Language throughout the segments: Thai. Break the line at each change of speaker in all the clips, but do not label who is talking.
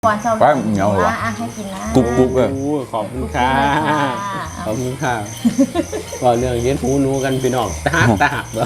ก่อนเช้า
ไปเหนียวเหรอ
ให้กินนะ
กรุบกรุบเลย
ขอบคุณค่ะขอบคุณค่ะก็เรื่องเลี้ยงหูหนูกันพี่น้องตาหักเหรอ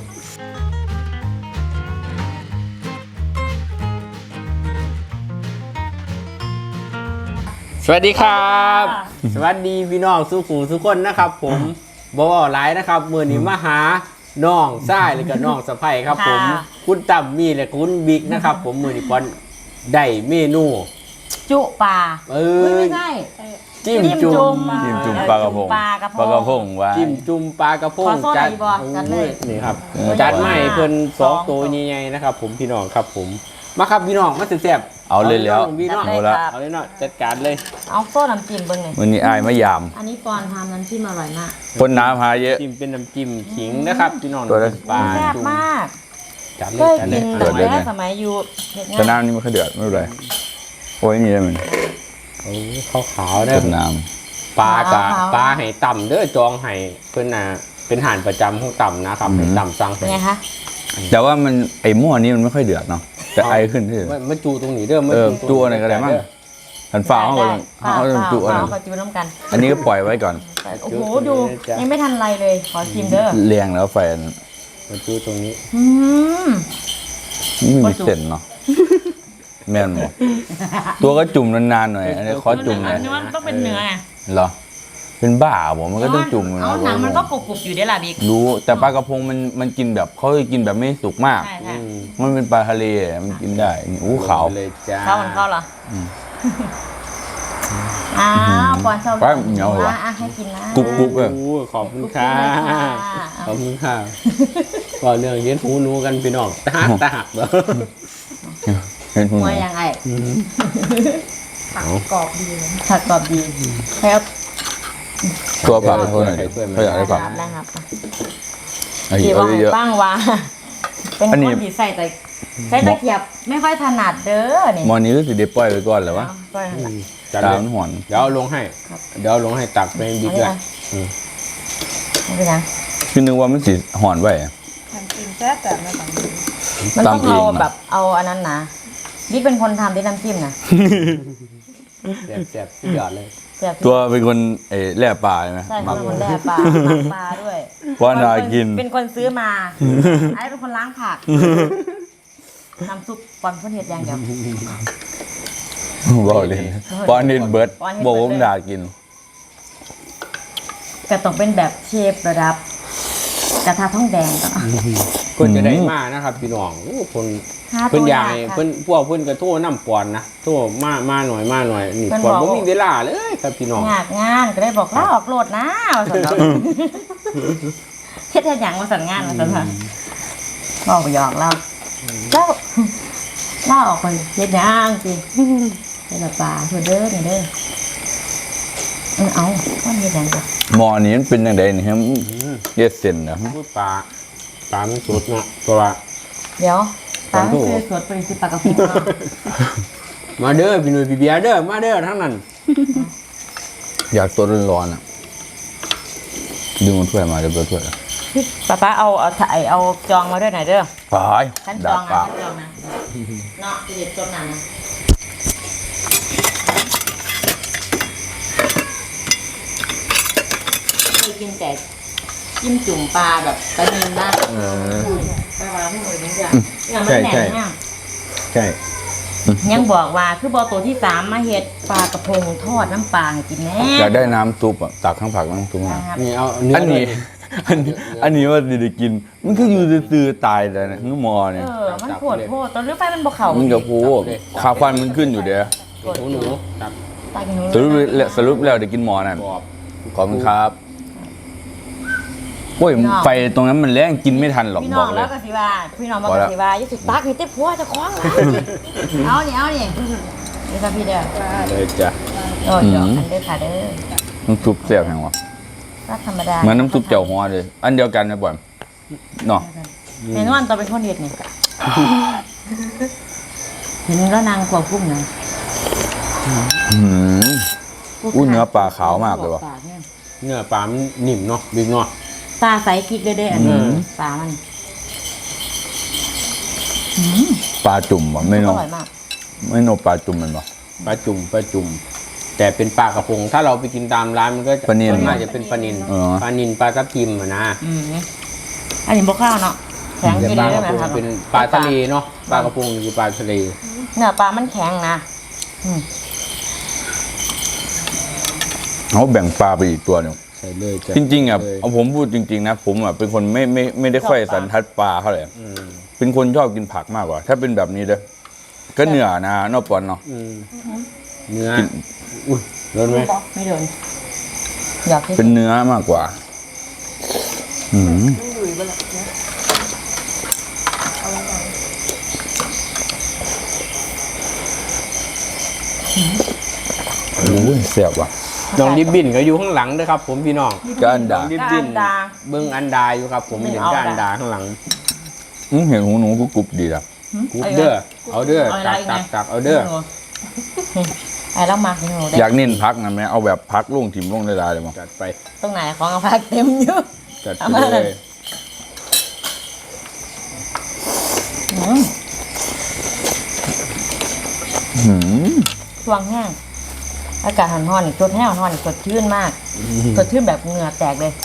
สวัสดีครับ สวัสดีพี่น้องสุขุมทุกคนนะครับ ผมบอไลน์นะครับมือนี้มาหาน้องซ้ายเลยกับน้องสะใภ้ครับผมคุณตั้มมีและคุณบิ๊กนะครับ ผมมือนี้ก่อนได้เมนู
จุปลาไม่ใช่
จิ้มจุ่ม
จิ้มจุ่มปลากระพง
ปลากระพง
ปลากระพงไว้
จิ้มจุ่มปลากระพง
ขอโทษ
จัด
อีบอจัดเลย
นี่ครับ
เออ
จัดใหม่เพิ่น
สอง
2 ตัวใหญ่ๆนะครับ ผมพี่น้องครับผมมาครับพี่น้องมาแซ่บๆ
เอาเลยแล้ว
พี่น้อง
จัดเลย
ละ
ครับ
เอาเลยเนาะจัดการเลย
เอาโซ่น้ำจิ้มเบิ้งหน่อย
วันนี้อายมะยาม
อันนี้ปอนทำน้ำจิ้มอร่อยมาก
คนน้ำหาเยอะ
จิ้มเป็นน้ำจิ้มขิงนะครับพี่น้อง
ตัวละ
ปลา
แซ่บ
จุ่ม
มาก
จัดเล
เค
ย
ย
จัดเล
กิ
ย
น
เดือดเลย
แต่
ไหม
สมัยอยู่เด็ก
แต่
งาน
น้ำนี่มันก็เดือดไม่เป็นไรโอ้ยนี่ได้มัน
โอ้ขาวๆได้
เดือดน้
ปลากะปลาให้ต่ำเด้อจองให้เพิ่นน่ะเป็นอาหารประจำของต่ำนะครับให้ต่ำสั่ง
เป็นไงคะ
ำแต่ว่ามันไอ้หม้อนี้มันไม่ค่อยเดือดเนาะแต่ไอขึ้นที่
มาจูตรงนี้เด้อมา
จูอะไรก็ได้มั้งหันฝ่าเขาก็เขาก็จูอันนั้น
เขาจูน้ำกัน
อันนี้ก็ปล่อยไว้ก่อน
โอ้โหดูยังไม่ทันไรเลยขอชิมเด้อ
เรียงแล้วไฟอันนั้น
มาจูตรงนี้
อืม
ไม่มีเส้นเนาะแม่นหมดตัวก็จุ่มนานๆหน่อยอันนี้ขอจุ่มหน่อย
เนื้อมันต้องเป็นเนื้อไง
เหรอเป็นบ้าผมมันก็ต้องจุ่ม
เอาหนังมันก็กรุบๆอยู่ได้ล่ะบิ๊ก
รู้แต่ปลากระพงมันกินแบบเขาจะกินแบบไม่สุกมาก
ใช่ใช่
มันเป็นปลาทะเลมันกินได้นี่อู้ขาว
เลยจ้า
ข้าวมันเข้าเหรออ้าวก่อนเช้า
ไปเหนียวเหรอ
ให้กินนะ
กรุบกรุบเลย
ขอบคุณค่ะขอบคุณค่ะก็เรื่องเลี้ยงหูหนูกันพี่น้องตาหักเหรอ
เห็นคุณ
หัวยังไง
เอา
กรอบดีผักกรอบดีแล้ว
ตัวผักเขาหน่อยดิเขาอยากได้ผัก
นะครับ
ไอ้
ที่
เอา
ว่า
เยอะ
บ้างว่าเป็น
อัน
ค
นี้
นที่ใส่ตะเกียบไม่ค่อยถนัดเด้อนี่
ๆมอนี้ก็สิเดปล่อยไปก่อนแหละวะ
ก็ถนัด
จัด
ตา
เลย
มันหอน
เดี๋ยวเอาลงให้
ครับ
เดี๋ยวเอาลงให้ตักเป็นบิ๊กเลย
ไม่เป็นยัง
คือนึกว่ามันสิหอนไว้
ทำกินแซ่บแบบมันต้อง
ตำเอง
เอา
นะ
แบบเอาอันนั้นนะบิ๊กเป็นคนทำที่น้ำจิ้มนะ
แซ่บๆที่ยอดเลย
แซ่บ
ตัวเป็นคนแล่ปลาใช่ไหม
ใช่
มั
เขา
ก
เป็นคนแล่ปลาหมักปลาด้วย
ว่าน่ากิน
เป็นคนซื้อมาไอ้เป็นคนล้างผักน้ำซุปปอนเพื่อนเห็ดอย่างเดียว
บอกเลยปอนนิดเบิร์ด
ปอนนิดเบิด
บอกว่าผมด่ากิน
แต่ต้องเป็นแบบเชฟระดับกระทะทองแดงก็
เพิ่นจะได้มานะครับพี่น้องโอ้คน
หา
เพิ่น
ตัว
ใหญ่
ยากค่ะ
เพิ่นพวกเพิ่นก็โทรน้ำปอนนะโทรมาหน่อยนี่
เพิ่น
ปอน
บอก
บ่มีเวลาเลยครับพี่น้อง
ยากงานก็ได้บอกลาออกโหลดนะว่าสันเนาะเฮ็ดอย่างมาสั่นงานมาสั่นว่าบอกไปหยอกเราแล้วลาออกไปเฮ็ดหยังสิเฮ็ดละปลาเพื่อเด้อนี่เด้อเอาว่าเฮ็ดหยังจ้ะ
หมอนี้มันเป็นยังไงนี่ครับเย็ดเส้นนะ
พูดปลามันสดเนาะเพราะว่า
เดี๋ยวปลา
ขอโท
ไม่
ษ
เคยสดไปสิปลากระพงเนาะ
มาเด้อพี่หนุ่ยพี่เบียร์เด้อมาเด้อทั้งนั้น
อยากตัวร้อนๆอ่ะดึงมันถ้วยมาเดี๋ยวเปิดถ้วย
พี่ป้าเอาถ่ายเอาจองมาด้วยหน่อยเด้อ
ตาย
ขั้นจ
ดา
อง
ปา
นะ
ก
ขั้นจองนะเนาะจะเด็ดจนนานนะเคยกินแต่จิ้มจุ่มปลาแบบปลาเนื้อนะปลาที่หนูนี่จ้ะยังไม่แน่นนะ
ใช่
ยังบอกว่าคือบอตัวที่3มาเฮ็ดปลากระพงทอดน้ำปลาให้กินแน่
อยากได้น้ำซุปอ่ะตักข้างผักน้ำซุปมา
นะครับ
นี่เอาเนื้อ
อันนี้ อันนี้ว่าได้กิน มันก็อยู่ซื่อๆตายเลยนะคือหมอเนี่ย
มันปวดโพดตอนเลือกไปมันบ่เข่า
มันกับพูขาควันมันขึ้นอยู่เด้อ
หนูตัก
ตายกันหนู
สรุปแล้วได้กินหมอนั่น
กรอบ
ขอบคุณครับโอ้ยไฟตรงนั้นมันแรงกินไม่ทันหรอก
พี่
บ
น้อ
อง กเล
แล้
ยว
ก็สิว่าพี่น้องบอกก็สิว่าอย่าสิตักนี่เต็มพัวจะคล้องหลายเอานี่นี่ค่ะพี่เด้อ
เลยจ้ะ
โอ้ยดอกอันเด้อค่ะเด้อ
น้ำซุปแซ่บแห่งวะ
รักธรรมดา
เหมือนน้ำซุปเจียวหัวเลย อันเดียวกันนะบ่อยเนาะ
เห็นว่าตอนเป็นคนเด็ดนี่เห็นแล้วนางกลัวกุ้งนะ
อุ้ยเนื้อปลาขาวมากเลยว่ะ
เนื้อปลามันนิ่มเนาะบิ๊กเนาะ
ตาใสพริกเด้ออันนี้ปลามัน
ปลาจุ่มบ่ไม่
อ
เนอะ
ร่อยมาก
ไม่เนอะปลาจุ่มมันบ่
ปลาจุ่มแต่เป็นปลากระพงถ้าเราไปกินตามร้านมันก็จะ
ปลานิล
ส่วนมากจะเป็นปลานิล
อ๋อ
ปลานิลปลาทับทิมอะนะ
อันนี้บกข้าวเนาะแข็ง
แต่
กิน
ปลา
ได้
ก
ไห
ระ
ม
พง
ครับ
เป็นปลาทะเลเนาะปลากระพงคือปลาทะเล
เนื้อปลามันแข็งนะ
เขาแบ่งปลาไปอีกตัวหนึ่ง
ใส่เลยจ้ะ
จริงๆอ่ะ
เลย
เอาผมพูดจริงๆนะผมอ่ะเป็นคนไม่ได้ค่อยสันทัดปลาเท่าไหร่
อืม
เป็นคนชอบกินผักมากกว่า ถ้าเป็นแบบนี้เด้อก็เนื้อนะนอกปอนเนาะ
อืมเนื้ออุ้ยโดนไหม
ไม่โดนอยากที่
เป็นเนื้อมากกว่า อืมโอ้ยเสียบว่ะ
น้องริบบิ้นก็อยู่ข้างหลังด้วยครับ ผมพี่น้อง
ก็อันดา
น้องริบ
ก็
บิ้
อั
น
นดา
เบิ้งอันดาอยู่ครับ ผม
ไม่
เห็น
เอา
ก็อัน
ได้
ดาข้างหลัง
เห็นหูหนูก็กรุบดีละ
กูเด้อเอาเด้อ
เอาอะไร
ตัก
ไง
ตักตักเอาเด้อ
ไอ้เรามากินหนู
อ
ได้
ยากเน้นพักนะแม่เอาแบบพักลุ่งถิ่มลุ่งได้เลยมั้ง
จัดไป
ตรงไหนของเอาพักเต็มอยู่
จัดไป
เอามา
เล
เลย
ย
ช่วงแห้งอากาศร้อนๆอีกตัวแห้งร้อนๆอีกสดชื่นมากสดชื่นแบบเหงื่อแตกเลย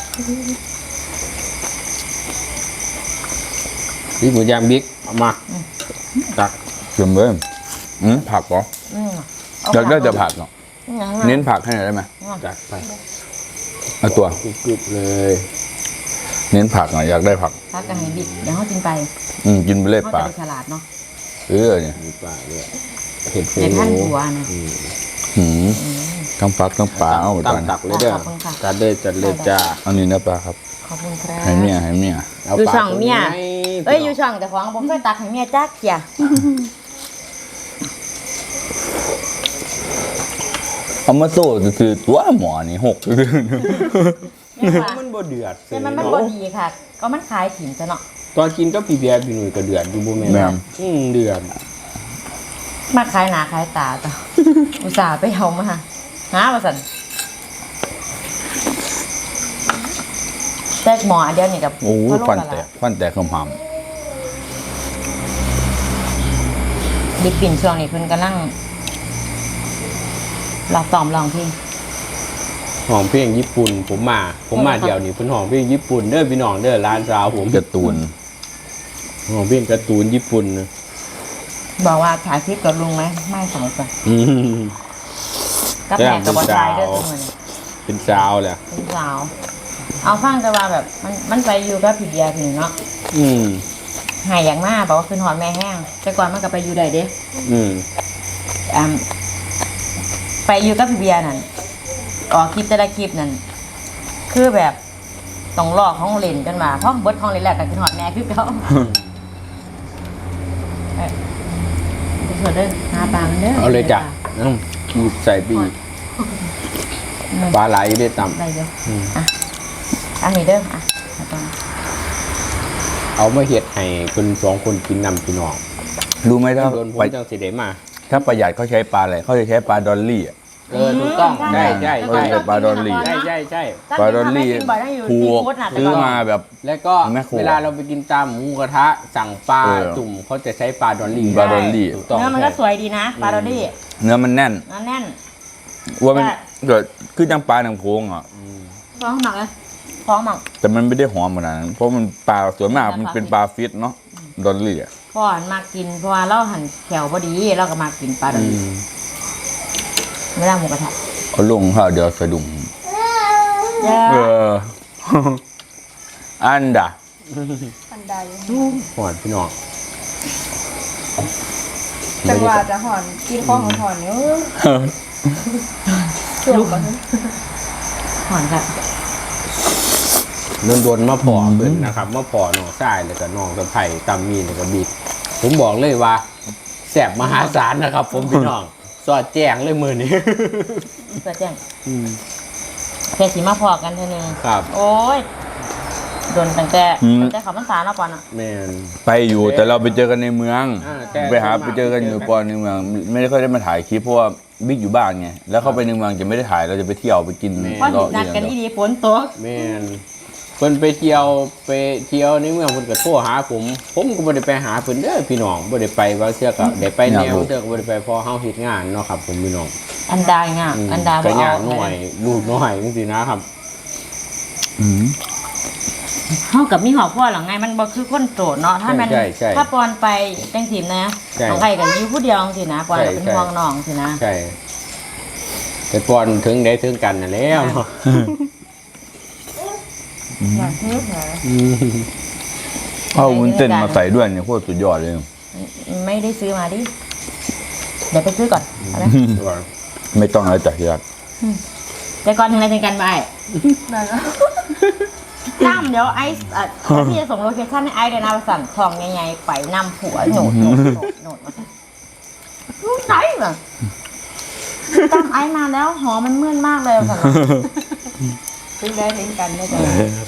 นี่หมูย่างบิ๊กเอามาตัก
เติมเลยผักเหรอ อยากได้แต่ผักเนาะเน้นผักให้หน่อยได้ไหม
จัดไป
เอาตัว
กรุบๆเลย
ๆ
เน้นผักหน่อยอยากได้ผัก
พักกันให้บิดเดี๋ยวเขากินไป
กินไปเลย
เขา
ปา
จะ
ก
ไปฉลาดเนาะ
เนี่ย
มีปลาด้วยเห็ดหู
ในท่านหัวนะ
ทั้งผักทั้งปลาเอาไป
ตั้
ก่อง น
ตักเลยเด้อ
ขอบคุณค่ะ
จัดเลยจัดเลยจ้า
อันนี้นะปลาครับ
ขอบคุณครับ
ให้เมีย
เอา
อยู่
ปลา
ช่องเมีย
ตัวไหน
เอ้ยอยู่ช่องแต่ของผมเคยตักให้เมียจักเกีย
เอามาโซ่คือตัวหมอนี่หก
มันบ่เดือด
แต่มันบ่ดีค่ะ ก็มันขายถิ่นซะเนาะ
ตอนกินก็พี่เบียร์พี่หนุ่ยก็เดือดอยู่บ่แม่น
แม่น
เดือด
มาขายหนาขายตาต่อ อุตส่าห์ไปเอามาหาว่าสันแตกหมออันเดียวนี่กับ
โอ้ย
พ่อโลก
ฟัน
ละ
แต
ละ
กฟันแตกคำหาม
ดิบปิ่นช่วงนี้เพิ่นกำลังลองซ้อมลองเพลง
หอมเพลงญี่ปุ่นผมมาเดี๋ยวนี้เพิ่นหอมเพลงญี่ปุ่นเด้อพี่น้องเด้อร้านสาวผม
การ์ตูน
หอมเพลงการ์ตูนญี่ปุ่นนะ
บอกว่าถ่ายคลิปกับลุงไหมไม่สมกัน
อืม
กับแม่กับบอลชายเด้อทุกคน
เป็นสาวแหละ
เป็นสาว เอาฟังแต่ว่าแบบมันไปอยู่กับพี่เบียร์พี่เนาะ
อืม
หายอย่างมากบอกว่าคืนหอนแม่แห้งแต่ก่อนมันก็ไปอยู่ได้เด้
อืม
ไปอยู่กับพี่เบียร์นั่นออกคลิปแต่ละคลิปนั่นคือแบบต้องลอกห้องเล่นกันมาเพราะเบิดห้องเล่นแหละกับคืนหอนแม่คือเขาเถิดเด้อหาปลามันเด้อ
เอาเลยจ้ะหยิบใส่ปีกปลาไหลได้ต่ำ
ได้เด้ออ่ะอันนี้เด้ออ่ะเอาไป
เอามาเห็ดให้คนสองคนกินนำพี่น้อง
รู้ไหมถ้า
โดนผม
ไป
จังสิได้มา
ถ้าประหยัดเขาใช้ปลาอะไรเขาจะใช้ปลาดอลลี่อะ
ถูกต้อง
ใช่
ใช่
เขาจะใช้ปลาดอลลี่
ใช่
ปลาดอลลี่
ถ้ากินบ่อยต้องอยู่
ถู
ซี
ก
ฟู้ดน่ะแต่
ซื้อ
ก่อน
มาแบบ
แล้วก็
แม่ครัว
เวลาเราไปกินตามหมูกระทะสั่งปลา
เออ
จุ่มเขาจะใช้ปลาดอลลี่
ปลาดอลลี่
ถูกต้อง
เนื้อมันก็สวยดีนะปลาโรดี้
เนื้อมันแน่น
เนื้อแน่น
ว่ามัน
ใช่
เกิดคือจังปลาหนังโพงอ่ะ
ท้องหมักเลยท้องหมัก
แต่มันไม่ได้หอมขนาดนั้นเพราะมันปลาส่วนมากมันเป็นปลาฟิตเนาะดอลลี่อ่ะ
พ่อหันมากินเพราะว่าเราหันแขวพอดีเราก็มากินปลาโร
อื
ดี้
ม
ไม่ได้หมูกระทะ
เอาลงข้าวเดียวสะดุ้ง
เย้
เออ อันดะ
อันใด
หอดพี่น้อง
จังหวะจะหอนกินข้องของหอนเนื้อส่วนก่อน
หอนค่ะ
โดนๆมาพอเพิ่นนะครับมาพอน้องทรายแล้วก็น้องสะไผ่ตำมีแล้วก็บิ๊กผมบอกเลยว่าแสบมหาศาลนะครับ ผมพี่น้องสอดแจ้งเลยมือนี้
เปิดแจ้งแค่สีมาพอกันเท่านึง
ครับ
โอ้ยโดนตั้งแต่เขาพรรษาแล้วก่อนอ่ะ
แมน
ไปอยู่แต่เราไปเจอกันในเมือง
แต่
ไปเจอกันอยู่ก่อนในเมือง ไม่ได้ค่อยได้มาถ่ายคลิปเพราะว่าบิ๊กอยู่บ้านไงแล้วเข้าไปในเมืองจะไม่ได้ถ่ายเราจะไปเที่ยวไปกิน
เพราะ
รอ
นัดกัน
เดียว
ดีๆฝนตก
แมนเพิ่นไปเที่ยวในเมืองเพิ่นก็โทรหาผมก็บ่ได้ไปหาเพิ่นเด้อพี่น้องบ่ได้ไปว่าเทื่อก็ได้ไปแนวเทื่อก็บ่ได้ไปเพอเฮาเฮ็ดงานเนาะครับผมพี่น้อง
อันดาง่ะอันดา
ก็
บ่
ยา
เอา
กหน่อยลูกน้อยจังซี่นะครับ
อืม
เฮากับมีหอบพ่อหรอไงมันบ่คือคนโสดเนาะถ้ามัน
ใช่ใช่
ถ้าปอนไปจังทีมนะ
ใช่
น้องไก่ก็อยู่ผู้เดียวจังซี่นะปอนก็เป็น
ใช่
ห่วงน้องสินะ
ใช่แต่ก่อนถึงได้ถึงกันน่ะแล้วเนาะ
อยากซื้อเหรอ
เอาวุ้นเส้นมาใส่ด้วยเนี่ยโคตรสุดยอดเลย
ไม่ได้ซื้อมาดิเดี๋ยวไปซื้อก่อนเอาไหม
ไม่ต้องอะไรจากที่รัก
แต่ก่อนถึงอะไรถึงกันไป
นั่นแล้ว
ตั้มเดี๋ยวไอซ์พี่จะส่งโลเคชั่นให้ไอซ์เลยนะประสันทองใหญ่ๆไปนำผัวโหนดมาสั่นรู้ใจเหรอตั้มไอซ์มาแล้วหอมันเมื่อนมากเลยประสัน
ซื้อได้ถึงกันได้จ้ะ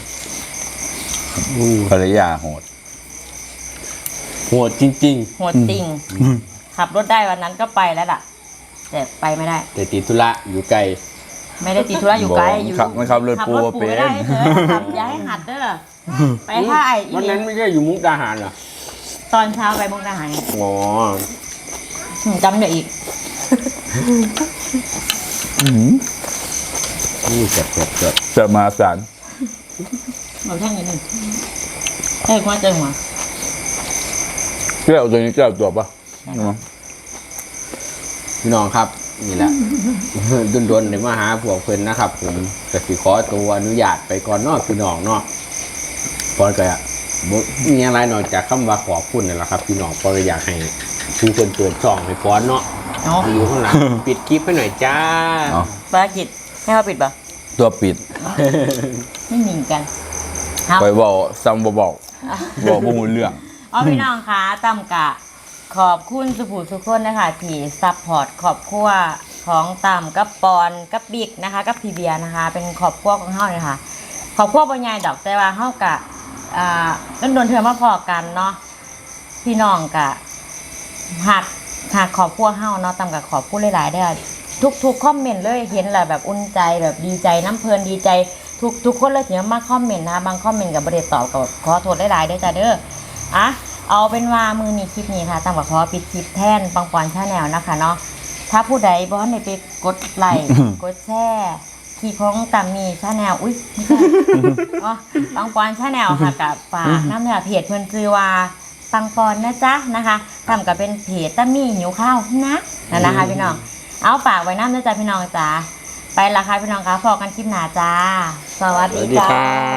ภรรยาโหด
โหดจริง
โหดจริง ขับรถได้วันนั้นก็ไปแล้วล่ะ แต่ไปไม่ได้
ๆ แต่ติดธุระอยู่ไกล
ไม่ได้ติดธุระอยู่ไกลอยู่
ขับไม่ขับรถปู
ขับ
เป็
ไม่
น
ได้เธอขับย้ายหัดเด้อไปท่าไออี
วันนั้นไม่ใช่อยู่มุกดาหารเหรอ
ตอนเช้าไปมุกดาหารไง
อ๋อ
จำเดี๋ยวอีก
นี่เจ็บ
จะมาสาร
เราแท่งนิดนึงแท่งหัวใจหัว
แก้วตัวนี้แก้วตัวปะ
พี่น้องครับนี่แหละ ดนๆเดี๋ยวมาหาพวกเพิ่นนะครับ ผมจะสิขอตัวอนุญาตไปก่อนเนาะพี่น้องเนาะพอก็บ่มีอะไรนอกจากคำว่าขอบคุณนี่แหละครับ พี่น้องพอก็อยากให้ผู้คนเปิดช่องให้พอนเนาะ
เนาะ
อยู่ข้างหลัง ปิดคลิปให้หน่อยจ้า
เอา
ภารกิจให้เขาปิดปะ
ตัวปิด
ไม่หนีกันครับ
ไปบอกซ้ำบอกบอกบุ้งเรื่อง
อ๋อพี่น้องคะตำกะ ขอบคุณสุภูทุกคนนะคะที่ซัพพอร์ตครอบครัวของตำกับปอนกับบิ๊กนะคะกับพี่เบียร์นะคะ เป็นครอบครัวของเฮาเลยค่ะครอบครัวบ่ใหญ่ดอกแต่ว่าเฮากะโดนเทื่อมาพอกันเนาะพี่น้องกะหักครอบครัวเฮาเนาะตำกะขอบคุณหลายๆเด้อทุกคอมเมนต์เลยเห็นแหละแบบอุ่นใจแบบดีใจน้ำเพลินดีใจทุกคนเลยที่มาคอมเมนต์นะคะบางคอมเมนต์กับบริเดตอบกับขอโทษหลายๆได้อจ้าเด้ออ่ะเอาเป็นว่ามือนี้คลิปนี้ค่ะตามกับขอปิดคลิปแทนปังปอนชาแนลนะคะเนาะถ้าผู้ใดบ่ทันได้ไปกดไลค์ กดแชร์คลิปของตามมีชาแนลอุ้ยไม่ใช่อ๋อปังปอนชาแนลค่ะกับฝากน้ำเนื้อเพจเพิ่นชื่อว่าปังปอนนะจ๊ะนะคะทำกับเป็นเพจตามีหิวข้าวนะนั่นนะคะพี่น้องเอาฝากไว้น้ำนะจ๊ะพี่น้องจ้าไปละค่ะพี่น้องคะพอกันคลิปหน้าจ้าสวัสดี
สวัสดี
จ้า
ครับ